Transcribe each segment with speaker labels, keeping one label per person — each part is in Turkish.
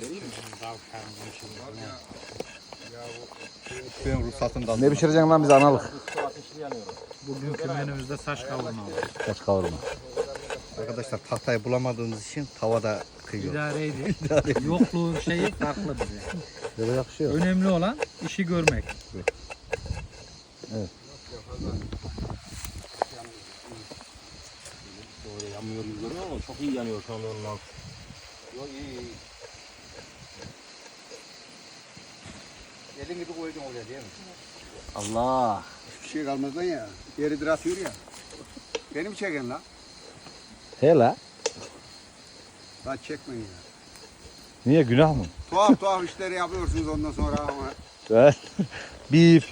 Speaker 1: Ben ruhsatını da aldım.
Speaker 2: Ne pişireceksin lan bize analık?
Speaker 3: Bugünkü menümüzde saç kavurma var.
Speaker 2: Saç kavurma.
Speaker 1: Arkadaşlar tahtayı bulamadığımız için tavada kıyıyor.
Speaker 3: İdareydi. Yokluğun şeyi farklı bize.
Speaker 2: Böyle yakışıyor.
Speaker 3: Önemli olan işi görmek.
Speaker 2: Evet.
Speaker 4: Böyle yanmıyor gibi görünüyor ama çok iyi yanıyor şu anda onun altı.
Speaker 1: Yok iyi. Elin gibi koyacaksın oraya değil mi?
Speaker 4: Allah.
Speaker 1: Hiçbir şey kalmaz lan ya. Yeridir atıyor ya. Beni mi çeken lan?
Speaker 2: He la.
Speaker 1: Lan çekmeyin ya.
Speaker 2: Niye günah mı?
Speaker 1: Tuhaf işleri yapıyorsunuz ondan sonra ama.
Speaker 2: Evet. Bip.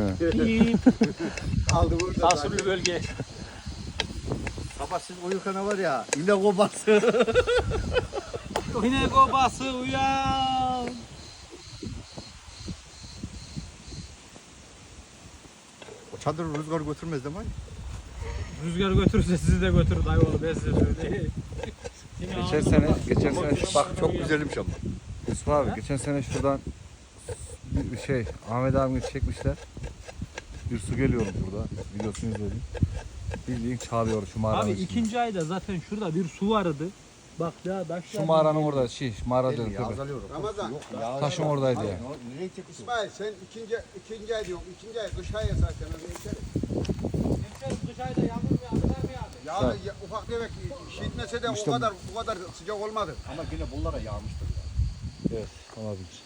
Speaker 1: Aldı burada.
Speaker 4: Sansürlü bölge.
Speaker 1: Sabah siz uyurken var ya. İlle kobası.
Speaker 3: Yine kobası uyan.
Speaker 1: O çadır rüzgar götürmez değil mi?
Speaker 3: Rüzgar götürürse sizi de götürür dayı oğlu ben size söyleyeyim.
Speaker 2: Geçen sene
Speaker 1: Bak çok güzelmiş ama.
Speaker 2: Yusuf abi geçen sene şuradan bir şey Ahmet abimi çekmişler. Bir su geliyormuş burada. Videosunu izledim. Bildiğin çağırıyor şu mağaranın
Speaker 3: Abi
Speaker 2: içinde.
Speaker 3: ikinci ayda zaten şurada bir su vardı. Bak ya taşlar.
Speaker 2: Şu mağaranın orada mağara diyorum tabii.
Speaker 1: Azalıyorum. Ramazan.
Speaker 2: Taşın oradaydı ya.
Speaker 1: Nereye çekiyorsun? İsmail sen ikinci ay diyorsun. İkinci ay kış ayı zaten. Öyle içeri.
Speaker 3: Kış ayda yağmur mu yağdı mı yağdı?
Speaker 1: Ya ufak demek şişmese de
Speaker 2: İşte
Speaker 1: bu kadar sıcak olmadı.
Speaker 4: Ama yine bunlara yağmıştır ya.
Speaker 2: Evet olabilir.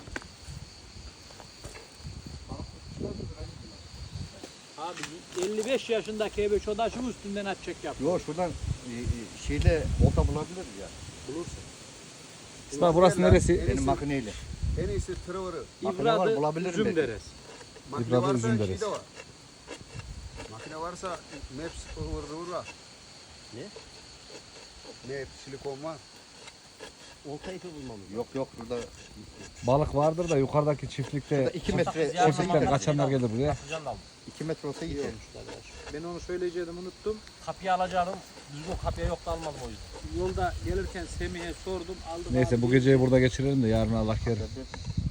Speaker 3: Abi 55 yaşındaki ebe çodaşın üstünden atacak yap.
Speaker 1: Yok şuradan şeyle olta bulabiliriz ya.
Speaker 3: Bulursun.
Speaker 2: İsmail burası neresi?
Speaker 1: Benim
Speaker 4: makineyle.
Speaker 1: En iyisi tırıvırı.
Speaker 4: Makine var,
Speaker 3: İbradı
Speaker 4: bulabilirim
Speaker 3: üzüm
Speaker 4: belki.
Speaker 3: deriz.
Speaker 1: Makine
Speaker 2: İbrahim
Speaker 1: varsa
Speaker 2: üzüm
Speaker 1: şey
Speaker 2: deriz.
Speaker 1: de var. Makine varsa Maps ıvır var.
Speaker 4: Ne?
Speaker 1: Maps silikon var.
Speaker 4: Olta ipi bulmamız.
Speaker 1: Yok burada
Speaker 2: Balık vardır da yukarıdaki çiftlikte
Speaker 1: 2 metre
Speaker 2: çiftlikten kaçanlar gelir buraya.
Speaker 4: Sıcan aldım.
Speaker 1: 2 metre olsa gidiyor.
Speaker 3: Ben onu söyleyecektim unuttum.
Speaker 4: Kapıyı alacağım. Düzgün kapıya yoktu almadım o yüzden.
Speaker 3: Yolda gelirken Semih'e sordum aldım.
Speaker 2: Neyse
Speaker 3: abi.
Speaker 2: bu geceyi burada geçirelim de yarın Allah kerim.